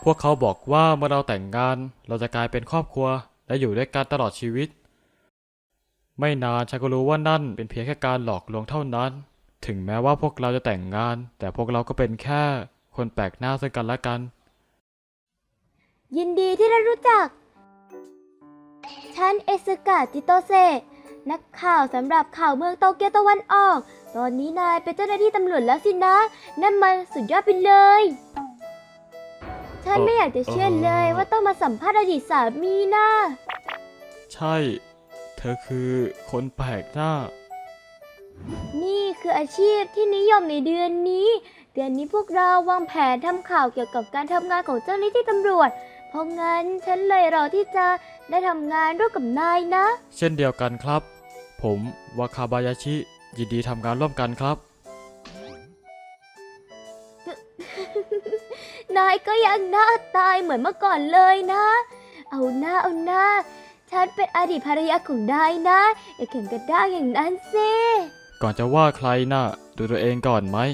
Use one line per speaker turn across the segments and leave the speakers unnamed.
พวกเขาบอกว่าเมื่อเราแต่งงานเราจะกลายเป็นครอบครัวและอยู่ด้วยกันตลอดชีวิตไม่นานฉันก็รู้ว่านั่นเป็นเพียงแค่การหลอกลวงเท่านั้นถึงแม้ว่าพวกเราจะแต่งงานแต่พวกเราก็เป็นแค่คนแปลกหน้าซึ่งกันและกัน
ยินดีที่ได้รู้จัก ฉันเอซึกะจิโตเซะนักข่าวสำหรับข่าวเมืองโตเกียวตะวันออก ตอนนี้นายเป็นเจ้าหน้าที่ตำรวจแล้วสินะ นั่นมันสุดยอดไปเลย ฉันไม่อยากจะเชื่อเลยว่าต้องมาสัมภาษณ์อดีตสามีนะ
ใช่เธอคือคนแปลกหน้า
นี่คืออาชีพที่นิยมในเดือนนี้ เดือนนี้พวกเราวางแผนทำข่าวเกี่ยวกับการทำงานของเจ้าหน้าที่ตำรวจ เพราะงั้นฉันเลยรอที่จะได้ทำงานร่วมกับนายนะ
เช่นเดียวกันครับ ผมวาคาบายาชิยินดีทำงานร่วมกันครับ
นายก็ยังหน้าตายเหมือนเมื่อก่อนเลยนะ เอาหน้าเอาหน้า ฉันเป็นอดีตภรรยาของนายนะ อย่าแข่งกันได้อย่างนั้นสิ
ก่อนจะว่าใครน่ะดูตัวเองก่อนไหม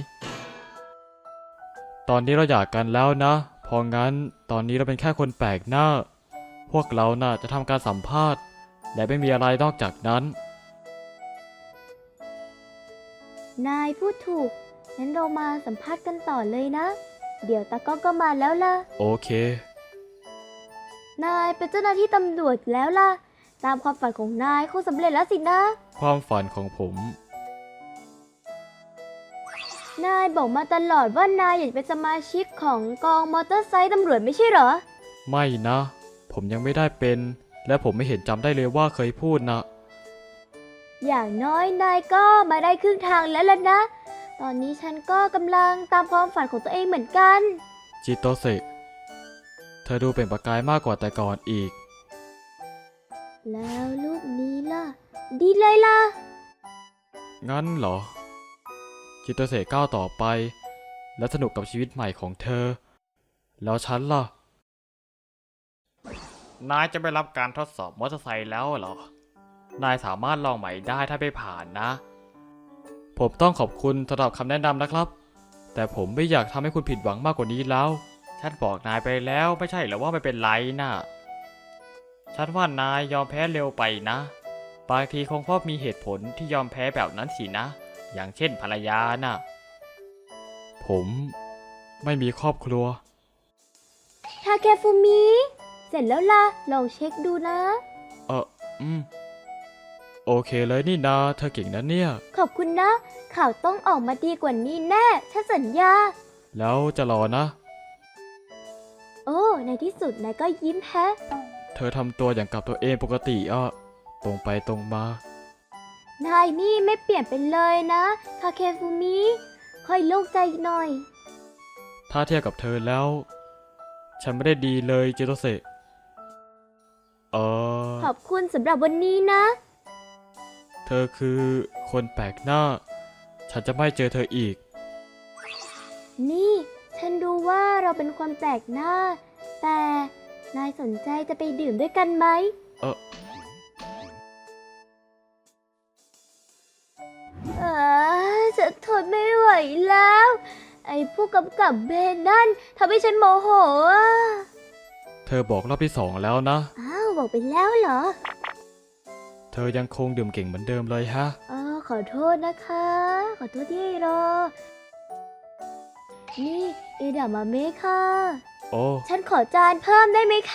ตอนนี้เราหย่ากันแล้วนะเพราะงั้นตอนนี้เราเป็นแค่คนแปลกหน้าพวกเราน่ะจะทำการสัมภาษณ์และไม่มีอะไรนอกจากนั้น
นายพูดถูก งั้นเรามาสัมภาษณ์กันต่อเลยนะ เดี๋ยวตากล้องก็มาแล้วล่ะ
โอเคน
ายเป็นเจ้าหน้าที่ตำรวจแล้วล่ะ ตามความฝันของนายคงสำเร็จแล้วสินะ
ความฝันของผม
นายบอกมาตลอดว่านายอยากเป็นสมาชิกของกองมอเตอร์ไซค์ตำรวจไม่ใช่เหรอ
ไม่นะ ผมยังไม่ได้เป็น และผมไม่เห็นจำได้เลยว่าเคยพูดนะ
อย่างน้อยนายก็มาได้ครึ่งทางแล้วล่ะนะ ตอนนี้ฉันก็กำลังตามความฝันของตัวเองเหมือนกัน
จิโตเซะเธอดูเป็นประกายมากกว่าแต่ก่อนอีก
แล้วรูปนี้ล่ะ ดีเลยล่ะ
งั้นเหรอ จิโตเซะก้าวต่อไป และสนุกกับชีวิตใหม่ของเธอ แล้วฉันล่ะ นายจะไปรับการทดสอบมอเตอร์ไซค์แล้วเหรอ นายสามารถลองใหม่ได้ถ้าไม่ผ่านนะ ผมต้องขอบคุณสำหรับคำแนะนำนะครับ แต่ผมไม่อยากทำให้คุณผิดหวังมากกว่านี้แล้ว ฉันบอกนายไปแล้วไม่ใช่เหรอว่าไม่เป็นไรนะฉันว่านายยอมแพ้เร็วไปนะ บางทีคงเพราะมีเหตุผลที่ยอมแพ้แบบนั้นสินะ อย่างเช่นภรรยาน่ะ ผมไม่มีครอบครัว
ทาเคฟูมิ เสร็จแล้วล่ะ ลองเช็คดูนะ
อืม โอเคเลยนี่นาเธอเก่งนะเนี่ย
ขอบคุณนะ ข่าวต้องออกมาดีกว่านี้แน่ ฉันสัญญา
แล้วจะรอนะ
โอ้ ในที่สุดนายก็ยิ้มแฮะ
เธอทำตัวอย่างกับตัวเองปกติตรงไปตรงมา
นายนี่ไม่เปลี่ยนไปเลยนะทาเคฟูมิ ค่อยโล่งใจหน่อย
ถ้าเทียบกับเธอแล้ว ฉันไม่ได้ดีเลยจิโตเซะ
ขอบคุณสำหรับวันนี้นะ
เธอคือคนแปลกหน้า ฉันจะไม่เจอเธออีก
นี่ ฉันรู้ว่าเราเป็นคนแปลกหน้า แต่นายสนใจจะไปดื่มด้วยกันไหม
เออ
ฉันทนไม่ไหวแล้ว ไอ้ผู้กำกับเบนนั่นทำให้ฉันโมโหอ่ะ
เธอบอกรอบที่สองแล้วนะ
อ้าวบอกไปแล้วเหรอ
เธอยังคงดื่มเก่งเหมือนเดิมเลยฮะ
ขอโทษนะคะ ขอโทษที่ให้รอ นี่เอดามาเมะค่ะ
โอ้
ฉันขอจานเพิ่มได้ไหมคะ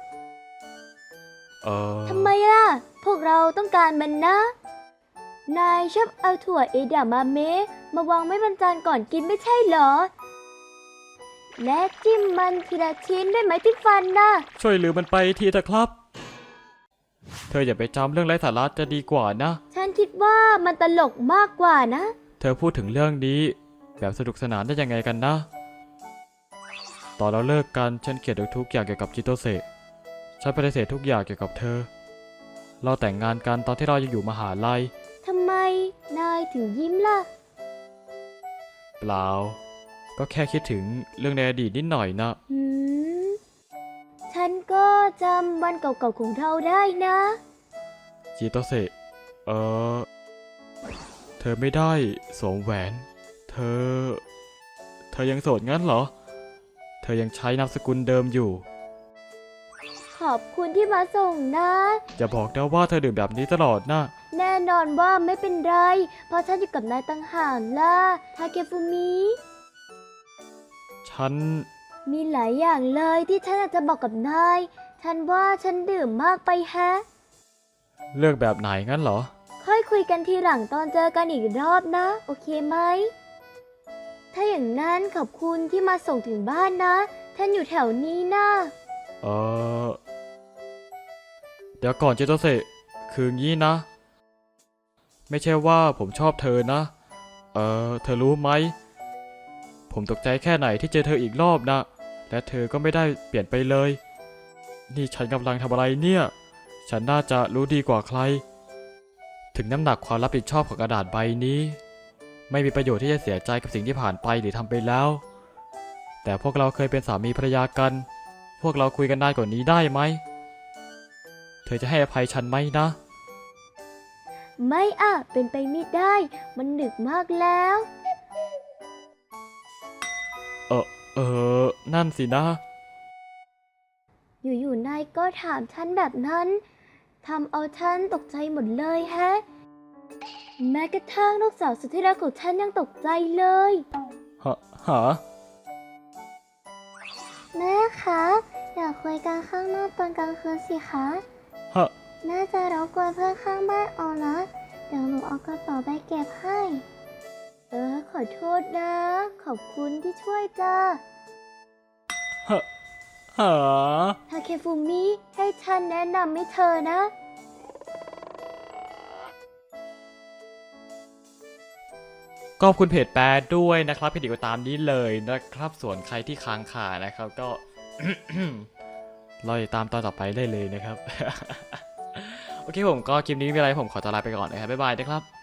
ทำไมล่ะ พวกเราต้องการมันนะ นายชอบเอาถั่วเอดามาเมะมาวางไว้บนจานก่อนกินไม่ใช่เหรอ และจิ้มมันทีละชิ้นด้วยไม้จิ้มฟันนะ
ช่วยลืมมันไปทีเถอะครับ เธออย่าไปจำเรื่องไร้สาระจะดีกว่านะ
ฉันคิดว่ามันตลกมากกว่านะ
เธอพูดถึงเรื่องนี้แบบสนุกสนานได้ยังไงกันนะ ตอนเราเลิกกันฉันเกลียดทุกอย่างเกี่ยวกับจิโตเซะฉันปฏิเสธทุกอย่างเกี่ยวกับเธอ เราแต่งงานกันตอนที่เรายังอยู่มหาลัย
ทำไมนายถึงยิ้มล่ะ
เปล่า ก็แค่คิดถึงเรื่องในอดีตนิดหน่อยนะ
ฉันก็จำวันเก่าๆของเราได้นะ
จิโตเซะเธอไม่ได้สวมแหวน เธอยังโสดงั้นเหรอ เธอยังใช้นามสกุลเดิมอยู่
ขอบคุณที่มาส่งนะ
อย่าบอกนะว่าเธอดื่มแบบนี้ตลอดนะ
แน่นอนว่าไม่เป็นไร เพราะฉันอยู่กับนายตั้งห่างล่ะทาเคฟุมิ
ฉัน
มีหลายอย่างเลยที่ฉันอยากจะบอกกับนาย ฉันว่าฉันดื่มมากไปแฮะ
เลือกแบบไหนงั้นเหรอ
ค่อยคุยกันทีหลังตอนเจอกันอีกรอบนะ โอเคไหม ถ้าอย่างนั้นขอบคุณที่มาส่งถึงบ้านนะ ฉันอยู่แถวนี้นะ
เออเดี๋ยวก่อนเจโตเซคืองี้นะ ไม่ใช่ว่าผมชอบเธอนะ เธอรู้ไหม ผมตกใจแค่ไหนที่เจอเธออีกรอบนะ และเธอก็ไม่ได้เปลี่ยนไปเลย นี่ฉันกำลังทำอะไรเนี่ย ฉันน่าจะรู้ดีกว่าใคร ถึงน้ำหนักความรับผิดชอบของกระดาษใบนี้ ไม่มีประโยชน์ที่จะเสียใจกับสิ่งที่ผ่านไปหรือทำไปแล้ว แต่พวกเราเคยเป็นสามีภรรยากัน พวกเราคุยกันนานกว่านี้ได้ไหม เธอจะให้อภัยฉันไหมนะ
ไม่อ่ะ เป็นไปไม่ได้ มันดึกมากแล้ว
นั่นสินะ
อยู่ๆนายก็ถามฉันแบบนั้นทำเอาฉันตกใจหมดเลยแฮะ แม้กระทั่งลูกสาวสุดที่รักของฉันยังตกใจเลย
หา
แม่คะอยากคุยกันข้างนอกตอนกลางคืนสิคะ
ฮะ
แม่จะรบกวนเพื่อนข้างบ้านเอานะ เดี๋ยวหนูเอากระเป๋าไปเก็บให้ ขอโทษนะ ขอบคุณที่ช่วยจ้า
หา
ทาเคฟุมิให้ฉันแนะนำให้เธอนะ
ขอบคุณเพจแปรด้วยนะครับเพจเดียวก็ตามนี้เลยนะครับ ส่วนใครที่ค้างคานะครับก็ รอติดตามตอนต่อไปได้เลยนะครับ โอเคผมก็คลิปนี้ไม่มีอะไรผมขอตัวลาไปก่อนนะครับบ๊ายบายนะครับ